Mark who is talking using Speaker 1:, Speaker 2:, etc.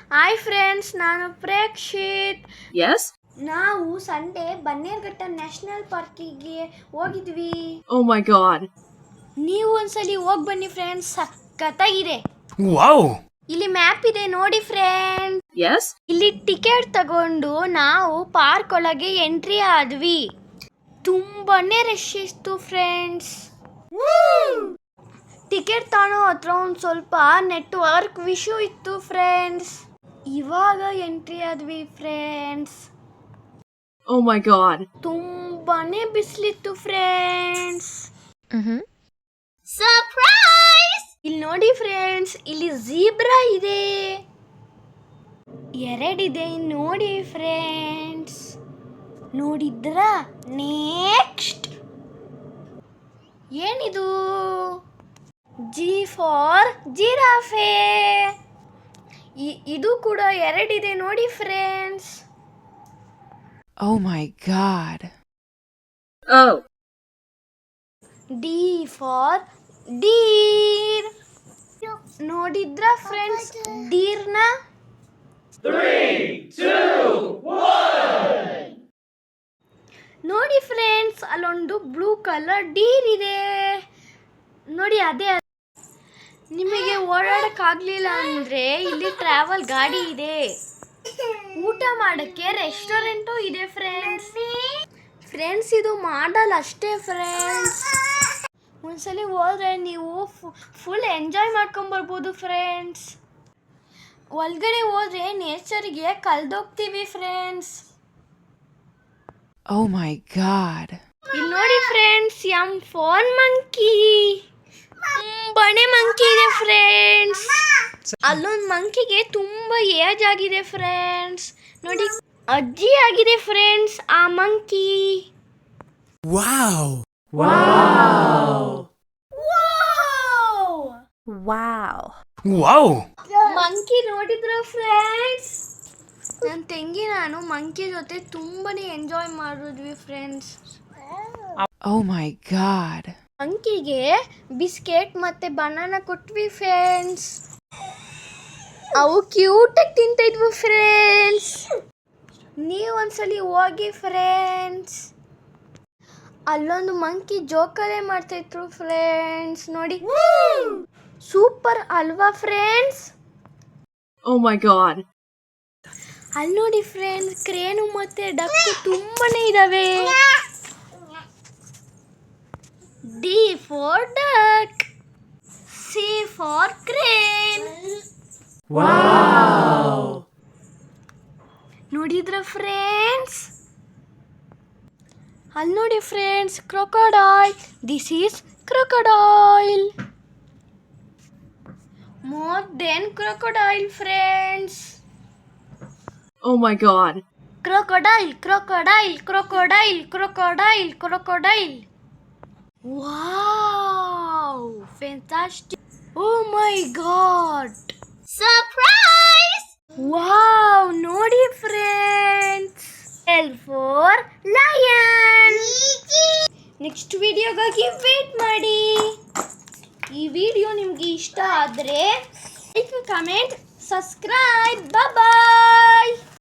Speaker 1: Hi friends, ನಾನು Prekshith.
Speaker 2: Yes?
Speaker 1: ನಾವು Sunday Bannerghatta national ಪಾರ್ಕಿಗೆ ಹೋಗಿದ್ವಿ.
Speaker 2: Oh my god.
Speaker 1: ನೀವು ಒಂದ್ಸಲಿ ಹೋಗಿ ಬನ್ನಿ ಫ್ರೆಂಡ್ಸ್, ಸಖತ್ತಾಗಿದೆ.
Speaker 3: Wow!
Speaker 1: ಇಲ್ಲಿ ಮ್ಯಾಪ್ ಇದೆ ನೋಡಿ ಫ್ರೆಂಡ್ಸ್.
Speaker 2: Yes?
Speaker 1: ಇಲ್ಲಿ ಟಿಕೆಟ್ ತಗೊಂಡು ನಾವು ಪಾರ್ಕ್ ಒಳಗೆ ಎಂಟ್ರಿ ಆದ್ವಿ. ತುಂಬಾನೇ ರಶ್ ಇತ್ತು ಫ್ರೆಂಡ್ಸ್. ಟಿಕೆಟ್ ತಾಣೋ ಹತ್ರ ಒಂದು ಸ್ವಲ್ಪ ನೆಟ್ವರ್ಕ್ ಇಶ್ಯೂ ಇತ್ತು ಫ್ರೆಂಡ್ಸ್. ಇವಾಗ ಎಂಟ್ರಿ ಆದ್ವಿ ಫ್ರೆಂಡ್ಸ್.
Speaker 2: Oh my god.
Speaker 1: ತುಂಬಾನೇ ಬಿಸಿಲಿತ್ತು ಫ್ರೆಂಡ್ಸ್.
Speaker 2: Surprise!
Speaker 1: ಇಲ್ಲಿ ನೋಡಿ ಫ್ರೆಂಡ್ಸ್, ಇಲ್ಲಿ ಝೀಬ್ರಾ ಇದೆ, ಎರಡಿದೆ ನೋಡಿ ಫ್ರೆಂಡ್ಸ್. ನೋಡಿದ್ರ? ನೆಕ್ಸ್ಟ್ ಏನಿದು? G for giraffe. ಇದು ಕೂಡ ಎರಡಿದೆ ನೋಡಿ friends.
Speaker 3: Oh my god.
Speaker 2: Oh.
Speaker 1: D for deer. ನೋಡಿದ್ರ ಫ್ರೆಂಡ್ಸ್ ಡೀರ್ನ?
Speaker 4: 3, 2, 1.
Speaker 1: ನೋಡಿ ಫ್ರೆಂಡ್ಸ್, ಅಲ್ಲೊಂದು ಬ್ಲೂ ಕಲರ್ ಡೀರ್ ಇದೆ ನೋಡಿ. ಅದೇ ನಿಮಗೆ ಓಡಾಡಕ್ಕಾಗ್ಲಿಲ್ಲ ಅಂದ್ರೆ ಇಲ್ಲಿ ಟ್ರಾವೆಲ್ ಗಾಡಿ ಇದೆ. ಊಟ ಮಾಡಕ್ಕೆ ರೆಸ್ಟೋರೆಂಟು ಇದೆ ಫ್ರೆಂಡ್ಸ್. ಇದು ಮಾಡಲ್ ಅಷ್ಟೇ ಫ್ರೆಂಡ್ಸ್. ಒಂದ್ಸಲಿ ಹೋದ್ರೆ ನೀವು ಫುಲ್ ಎಂಜಾಯ್ ಮಾಡ್ಕೊಂಬರ್ಬೋದು ಫ್ರೆಂಡ್ಸ್. ಒಳಗಡೆ ಹೋದ್ರೆ ನೇಚರ್ಗೆ ಕಲ್ದೋಗ್ತೀವಿ ಫ್ರೆಂಡ್ಸ್.
Speaker 3: Oh my god.
Speaker 1: ಇಲ್ಲಿ ನೋಡಿ ಫ್ರೆಂಡ್ಸ್, ಫೋನ್ ಮಂಕಿ. ಬಣೆ ಮಂಕಿ ಇದೆ ಫ್ರೆಂಡ್ಸ್. ಅಲ್ಲೊಂದು ಮಂಕಿಗೆ ತುಂಬಾ ಏಜ್ ಆಗಿದೆ ಫ್ರೆಂಡ್ಸ್. ನೋಡಿ, ಅಜ್ಜಿ ಆಗಿದೆ ಫ್ರೆಂಡ್ಸ್ ಆ ಮಂಕಿ.
Speaker 3: Wow. Wow.
Speaker 1: ಮಂಕಿ ನೋಡಿದ್ರ ಫ್ರೆಂಡ್ಸ್? ನನ್ನ ತಂಗಿ ನಾನು ಮಂಕಿ ಜೊತೆ ತುಂಬಾನೇ ಎಂಜಾಯ್ ಮಾಡಿದ್ವಿ ಫ್ರೆಂಡ್ಸ್.
Speaker 3: Oh my god.
Speaker 1: ಮಂಕಿಗೆ ಬಿಸ್ಕೆಟ್ ಮತ್ತೆ ಬನಾನಾ ಕೊಟ್ವಿ ಫ್ರೆಂಡ್ಸ್. ಅವು ಕ್ಯೂಟ್ ಆಗಿ ತಿಂತ ಇದ್ವು ಫ್ರೆಂಡ್ಸ್. ನೀವು ಒಂದ್ಸಲಿ ಹೋಗಿ ಫ್ರೆಂಡ್ಸ್. ಅಲ್ಲೊಂದು ಮಂಕಿ ಜೋಕಲೆ ಮಾಡ್ತಾ ಇದ್ರು ಫ್ರೆಂಡ್ಸ್. ನೋಡಿ, ಸೂಪರ್ ಅಲ್ವಾ ಫ್ರೆಂಡ್ಸ್?
Speaker 2: Oh my god.
Speaker 1: ಅಲ್ಲಿ ನೋಡಿ ಫ್ರೆಂಡ್ಸ್, ಕ್ರೇನು ಮತ್ತೆ ಡಕ್ಕು ತುಂಬಾನೇ ಇದಾವೆ. D for duck, C for crane. ನೋಡಿದ್ರ ಫ್ರೆಂಡ್ಸ್? ಅಲ್ಲಿ ನೋಡಿ friends, crocodile. This is crocodile. More than crocodile friends.
Speaker 2: Oh my god.
Speaker 1: Crocodile, crocodile, crocodile, crocodile, crocodile. Wow, fantastic. Oh my god.
Speaker 2: Surprise!
Speaker 1: Wow, ನೋಡಿ friends. L for lion. Next ವಿಡಿಯೋಗಾಗಿ wait ಮಾಡಿ. ಈ video ನಿಮ್ಗೆ ಇಷ್ಟ ಆದ್ರೆ like, comment, subscribe. ಬಾಯ್.